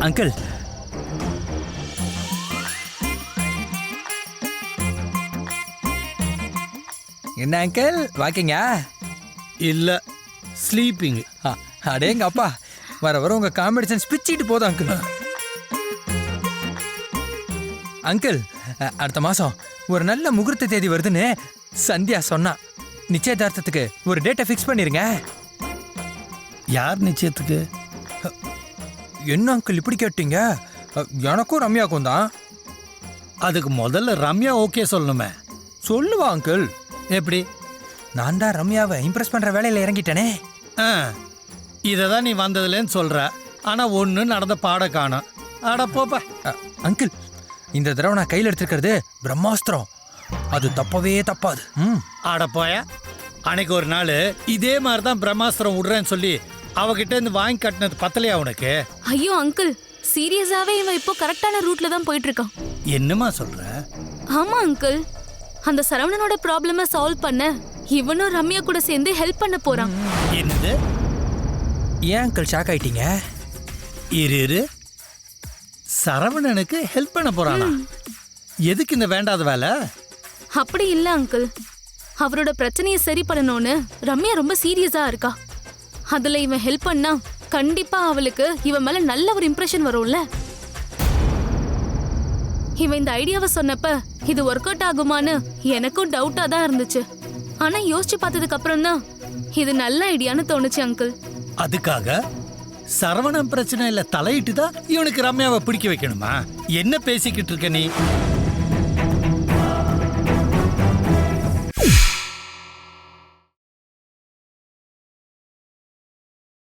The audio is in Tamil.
அங்கிள், என்ன அங்கிள் வாக்கிங்கா? இல்ல, ஸ்லீப்பிங். அடேங்க அப்பா, வர வர உங்க காமெடி சென்ஸ் பிச்சிட்டு போதும் அங்கிள். அங்கிள், அடுத்த மாசம் ஒரு நல்ல முகூர்த்த தேதி வருதுன்னு சந்தியா சொன்னா. நிச்சயதார்த்தத்துக்கு ஒரு டேட்டை ஃபிக்ஸ் பண்ணிருங்க. யார் நிச்சயத்துக்கு? என்ன அங்கிள் இப்படி கேட்டீங்க? எனக்கும் ரம்யாக்கும் தான். அதுக்கு முதல்ல ரம்யா ஓகே சொல்லணுமே. சொல்லுவா அங்கிள். எப்படி? நான் தான் ரம்யாவை இம்ப்ரெஸ் பண்ற வேலையில இறங்கிட்டேனே. இதை தான் நீ வந்ததுலேன்னு சொல்ற. ஆனா ஒன்று நடந்த பாட காணோம். ஆட போப்ப. அங்கிள், இந்த தடவை நான் கையில் எடுத்துக்கிறது பிரம்மாஸ்திரம். அது தப்பவே தப்பாது. ஆட போய. அன்னைக்கு ஒரு நாள் இதே மாதிரி தான் பிரம்மாஸ்திரம் விடுறேன்னு சொல்லி அவகிட்ட இருந்து வாங்கி கட்டினது பத்தலையா உனக்கு? ஐயோ அங்கிள், சீரியஸாவே இவன் இப்போ கரெக்டான ரூட்ல தான் போயிட்டு இருக்கான். என்னமா சொல்ற? ஆமா அங்கிள், அந்த சரவணனோட ப்ராப்ளம சால்வ் பண்ண இவனும் ரம்யா கூட சேர்ந்து ஹெல்ப் பண்ண போறான். என்னது? ஏன் அங்கிள் ஷாக் ஆயிட்டீங்க? இரு, சரவணனுக்கு ஹெல்ப் பண்ண போறானா? எதுக்கு இந்த வேண்டாத வேலை? அப்படி இல்ல அங்கிள், அவரோட பிரச்சனையை சரி பண்ணணும்னு ரம்யா ரொம்ப சீரியஸா இருக்கா. அதுல இவன் ஹெல்ப் பண்ணா கண்டிப்பா அவளுக்கு இவன் மேல நல்ல ஒரு இம்ப்ரெஷன் வரும்ல. இவன் இந்த ஐடியாவை சொன்னப்ப இது ஒர்க் அவுட் ஆகுமான்னு எனக்கும் டவுட்டா தான் இருந்துச்சு. ஆனா யோசிச்சு பார்த்ததுக்கு அப்புறம் தான் இது நல்ல ஐடியான்னு தோணுச்சு அங்கிள். அதுக்காக சரவணன் பிரச்சனை இல்ல தலையிட்டு தான் இவனுக்கு ரம்யாவை பிடிக்க வைக்கணுமா? என்ன பேசிக்கிட்டு இருக்க நீ?